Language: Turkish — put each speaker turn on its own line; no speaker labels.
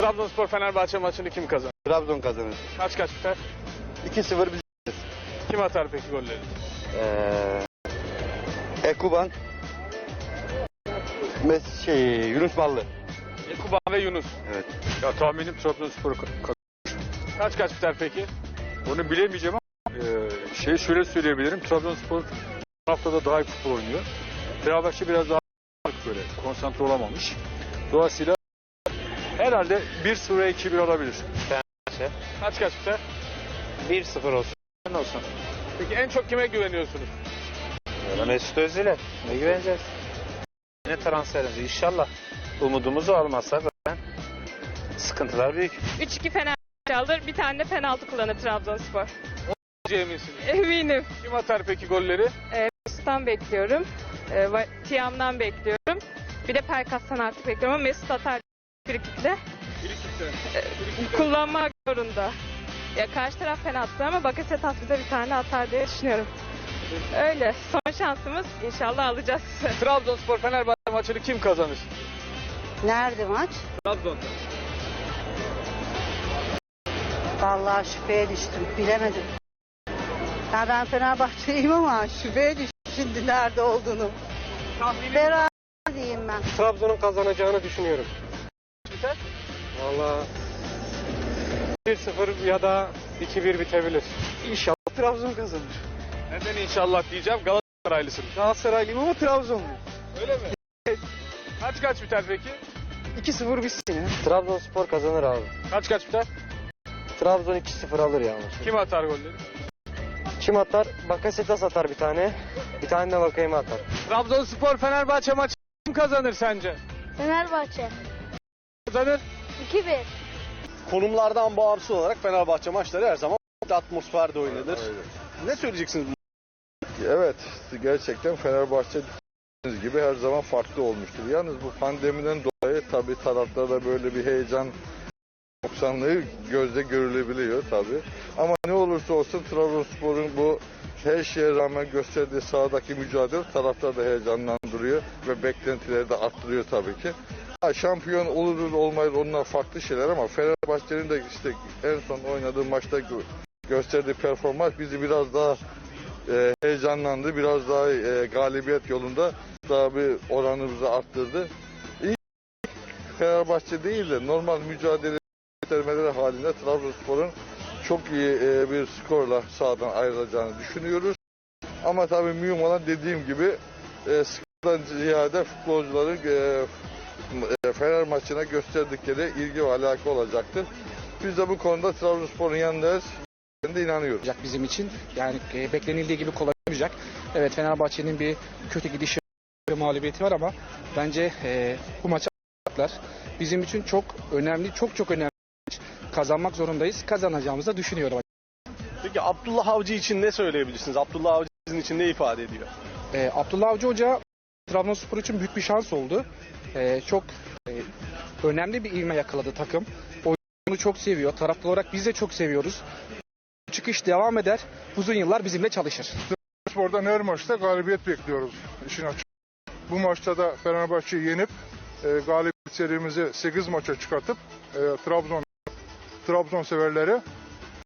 Trabzonspor Fenerbahçe maçını kim kazanır?
Trabzon kazanır.
Kaç biter?
2-0 biz.
Kim atar peki golleri?
Ekuban. Yunus Ballı.
Ekuban ve Yunus.
Evet.
Ya tahminim Trabzonspor
Kaç biter peki?
onu bilemeyeceğim ama şöyle söyleyebilirim. Trabzonspor bu haftada daha iyi futbol oynuyor. Fenerbahçe biraz daha böyle konsantre olamamış. Dolayısıyla herhalde 1-0'a 2-1 alabilir.
Kaç biter?
1-0 olsun. Olsun.
Peki en çok kime güveniyorsunuz?
Mesut Özil'e ne güveneceğiz? Yine transferimiz inşallah. Umudumuzu almazsak zaten sıkıntılar büyük.
3-2 Fenerbahçe alır. Bir tane de penaltı kullanır Trabzonspor.
Eminsiniz.
Eminim.
Kim atar peki golleri?
Mesut'tan bekliyorum. Tiam'dan bekliyorum. Bir de Pelkas'tan artık bekliyorum ama Mesut atar frikikle. Kullanmak zorunda. Ya karşı taraf penaltı ama Bakasetas bize bir tane atar diye düşünüyorum. Öyle. Son şansımız inşallah alacağız.
Trabzonspor Fenerbahçe maçını kim kazanır?
Nerede maç?
Trabzon'da.
Vallahi şüpheye düştüm. Bilemedim. Ya ben Fenerbahçeliyim ama şüpheye düştüm şimdi nerede olduğunu. Beraber diyeyim ben.
Trabzon'un kazanacağını düşünüyorum.
Biter?
Vallahi 1-0 ya da 2-1 bitebilir. İnşallah Trabzon kazanır.
Neden inşallah diyeceğim? Galatasaraylısın.
Galatasaraylıyım ama Trabzonluyum.
Öyle mi? Kaç biter peki?
2-0 bitsin ya. Trabzonspor kazanır abi.
Kaç biter?
Trabzon 2-0 alır yani.
Kim atar golleri?
Kim atar? Bakasetas atar bir tane. Bir tane de Vakayeme atar.
Trabzonspor Fenerbahçe maçı kim kazanır sence?
Fenerbahçe
Kazanır.
2-1.
Konumlardan bağımsız olarak Fenerbahçe maçları her zaman atmosferde oynanır. Ne söyleyeceksiniz?
Evet, gerçekten Fenerbahçe dediğiniz gibi her zaman farklı olmuştur. Yalnız bu pandemiden dolayı tabii taraftarda böyle bir heyecan noksanlığı gözde görülebiliyor tabii. Ama ne olursa olsun Trabzonspor'un bu her şeye rağmen gösterdiği sahadaki mücadele taraftar da heyecanlandırıyor ve beklentileri de arttırıyor tabii ki. Şampiyon oluruz olmayız onlar farklı şeyler ama Fenerbahçe'nin de işte en son oynadığı maçta gösterdiği performans bizi biraz daha heyecanlandı. Biraz daha galibiyet yolunda daha bir oranımızı arttırdı. İlk Fenerbahçe değil de normal mücadele göstermeleri halinde Trabzonspor'un çok iyi bir skorla sahadan ayrılacağını düşünüyoruz. Ama tabii mühim olan dediğim gibi skordan ziyade futbolcuların Fener maçına gösterdikleri ilgi ve alaka olacaktır. Biz de bu konuda Trabzonspor'un yanındayız. Ben de inanıyorum.
Bizim için yani beklenildiği gibi kolay olmayacak. Evet Fenerbahçe'nin bir kötü gidişi ve mağlubiyeti var ama bence bu maçı alacaklar. Bizim için çok önemli, çok önemli kazanmak zorundayız. Kazanacağımızı da düşünüyorum.
Peki Abdullah Avcı için ne söyleyebilirsiniz? Abdullah Avcı sizin için ne ifade ediyor?
Abdullah Avcı Hoca Trabzonspor için büyük bir şans oldu. Çok önemli bir ivme yakaladı takım. Oyunu çok seviyor. Taraftar olarak biz de çok seviyoruz. Çıkış devam eder. Uzun yıllar bizimle çalışır.
Spor'dan her maçta galibiyet bekliyoruz işin açık. Bu maçta da Fenerbahçe'yi yenip galibiyet serimizi 8 maça çıkartıp Trabzon severleri